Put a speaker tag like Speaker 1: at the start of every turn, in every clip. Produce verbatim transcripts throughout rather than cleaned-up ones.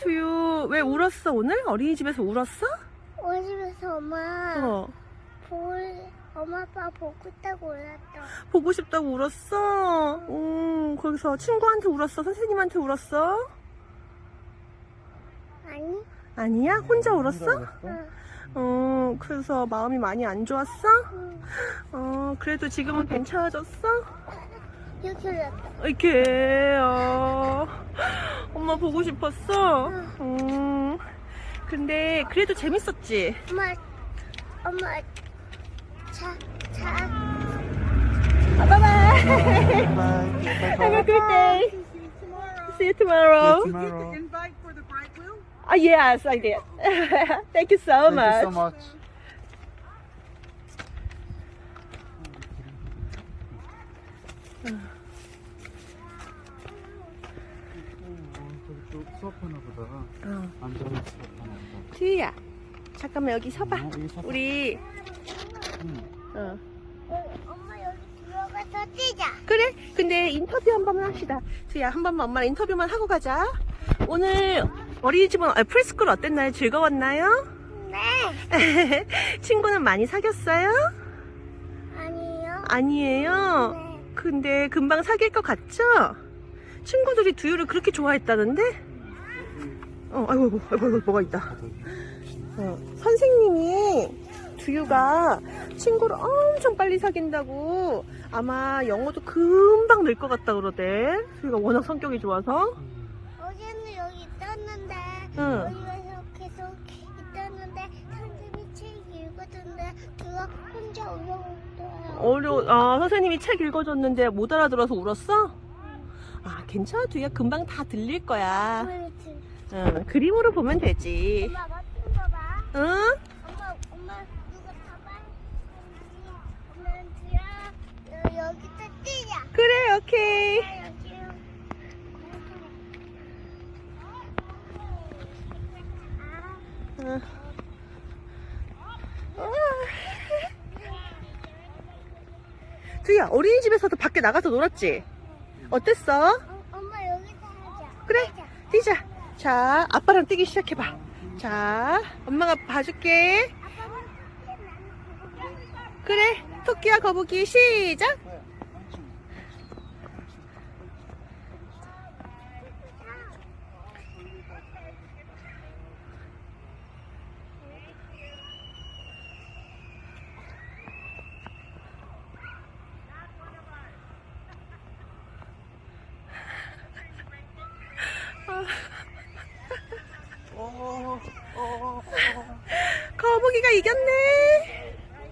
Speaker 1: 두유 왜 울었어 오늘? 어린이집에서 울었어?
Speaker 2: 어집에서 엄마
Speaker 1: 어.
Speaker 2: 볼 엄마 아빠 보고 있다고 올랐다.
Speaker 1: 보고 싶다고 울었어? 음, 거기서 친구한테 울었어? 선생님한테 울었어?
Speaker 2: 아니?
Speaker 1: 아니야? 혼자 울었어?
Speaker 2: 응.
Speaker 1: 어, 그래서 마음이 많이 안 좋았어?
Speaker 2: 응.
Speaker 1: 어, 그래도 지금은 괜찮아졌어?
Speaker 2: 이렇게 올랐다.
Speaker 1: 이렇게, 어, 엄마 보고 싶었어? 음, 근데 그래도 재밌었지?
Speaker 2: 엄마 엄마 자 자.
Speaker 1: Bye-bye!
Speaker 3: Bye.
Speaker 1: Have a good day! See you tomorrow!
Speaker 3: Tomorrow.
Speaker 4: Invite for the bride wheel?
Speaker 1: Ah, yes, I did. Thank you so
Speaker 3: Thank
Speaker 1: much.
Speaker 3: you so much. 저기 수업하나 보다.
Speaker 1: 어.
Speaker 3: 앉아서 수업하나 보다.
Speaker 1: 튜야, 잠깐만 여기 서봐.
Speaker 3: 어, 여기 서봐.
Speaker 1: 우리,
Speaker 3: 응.
Speaker 1: 어.
Speaker 2: 엄마 여기 들어가서 뛰자.
Speaker 1: 그래? 근데 인터뷰 한 번만 합시다. 튜야, 한 번만 엄마랑 인터뷰만 하고 가자. 오늘 어린이집은, 아, 프리스쿨 어땠나요? 즐거웠나요?
Speaker 2: 네.
Speaker 1: 친구는 많이 사귀었어요?
Speaker 2: 아니요.
Speaker 1: 아니에요.
Speaker 2: 네.
Speaker 1: 근데 금방 사귈 것 같죠? 친구들이 두유를 그렇게 좋아했다는데? 어, 아이고, 아이고, 아이고, 아이고, 뭐가 있다. 어, 선생님이 두유가 친구를 엄청 빨리 사귄다고 아마 영어도 금방 늘 것 같다 그러대. 두유가 워낙 성격이 좋아서.
Speaker 2: 어제는 여기 있었는데
Speaker 1: 응.
Speaker 2: 여기에서 계속 있었는데 선생님이 책 읽어줬는데 그거 혼자 울어버렸어요.
Speaker 1: 어려, 아, 선생님이 책 읽어줬는데 못 알아들어서 울었어? 아, 괜찮아. 두유야 금방 다 들릴 거야. 응, 그림으로 보면 되지.
Speaker 2: 엄마 같은 거 봐.
Speaker 1: 응?
Speaker 2: 엄마 엄마 누가 가방 엄마는 들어 여기서 뛰자.
Speaker 1: 그래, 오케이.
Speaker 2: 엄마 여기
Speaker 1: 응. 두야, 어린이집에서도 밖에 나가서 놀았지? 어땠어?
Speaker 2: 어, 엄마 여기서 하자.
Speaker 1: 그래,
Speaker 2: 하자.
Speaker 1: 뛰자. 자, 아빠랑 뛰기 시작해봐. 자, 엄마가 봐줄게.
Speaker 2: 아빠는 나는 거북이.
Speaker 1: 그래, 토끼와 거북이 시작.
Speaker 3: 어, 어,
Speaker 1: 거북이가 이겼네.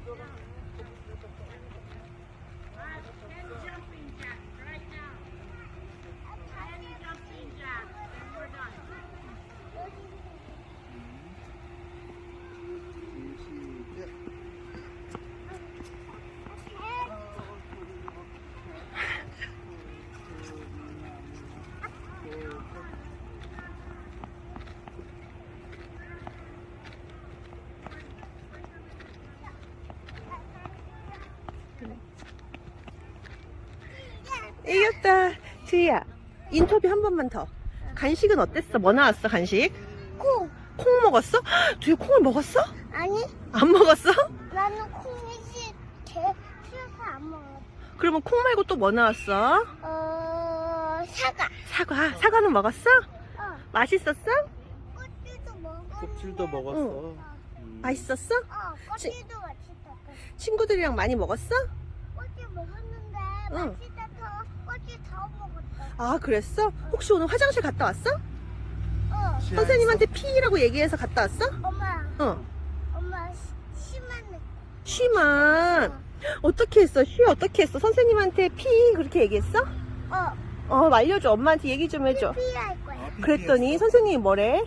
Speaker 1: 이겼다. 두야, 인터뷰 한 번만 더. 간식은 어땠어? 뭐 나왔어, 간식?
Speaker 2: 콩.
Speaker 1: 콩 먹었어? 두야, 콩을 먹었어?
Speaker 2: 아니
Speaker 1: 안 먹었어?
Speaker 2: 나는 콩이지 개 싫어서 안 먹어.
Speaker 1: 그러면 콩 말고 또 뭐 나왔어?
Speaker 2: 어 사과.
Speaker 1: 사과. 사과는 먹었어?
Speaker 2: 어
Speaker 1: 맛있었어?
Speaker 2: 꽃들도 먹었는데.
Speaker 3: 껍질도 먹었어. 음.
Speaker 1: 맛있었어?
Speaker 2: 어 꽃들도 맛있었어.
Speaker 1: 친구들이랑 많이 먹었어?
Speaker 2: 꽃들 먹었는데
Speaker 1: 응.
Speaker 2: 맛있어서 꽃들 더 먹었어.
Speaker 1: 아, 그랬어? 혹시 오늘 화장실 갔다 왔어?
Speaker 2: 어
Speaker 1: 선생님한테 피라고 얘기해서 갔다 왔어?
Speaker 2: 엄마
Speaker 1: 어.
Speaker 2: 엄마 시- 심한
Speaker 1: 쉬만. 어떻게 했어? 쉬 어떻게 했어? 선생님한테 피 그렇게 얘기했어?
Speaker 2: 어
Speaker 1: 어, 알려줘. 엄마한테 얘기 좀 해줘.
Speaker 2: 피할 거야.
Speaker 1: 그랬더니 선생님이 뭐래?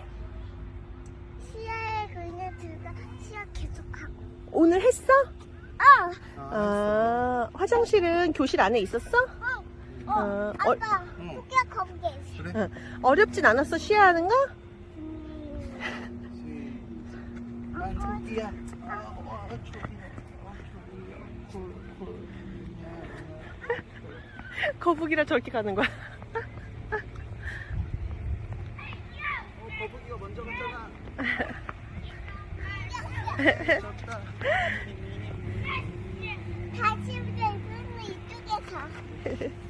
Speaker 2: 시야에 그냥 들어가 시야 계속하고.
Speaker 1: 오늘 했어?
Speaker 2: 어
Speaker 1: 아, 화장실은 교실 안에 있었어?
Speaker 2: 어, 어,
Speaker 1: 어,
Speaker 2: 아빠,
Speaker 3: 응.
Speaker 2: 토끼가 거북이 있어.
Speaker 3: 그래?
Speaker 1: 응. 어렵진 않았어, 쉬어하는 거?
Speaker 2: 음,
Speaker 3: 난 저기야. 아, 와, 저기야. 아, 저기야. 콜, 콜.
Speaker 1: 거북이랑 저렇게 가는 거야.
Speaker 3: 어, 거북이가 먼저 갔잖아. 졌다.
Speaker 2: 다시 우리 이쪽에 가.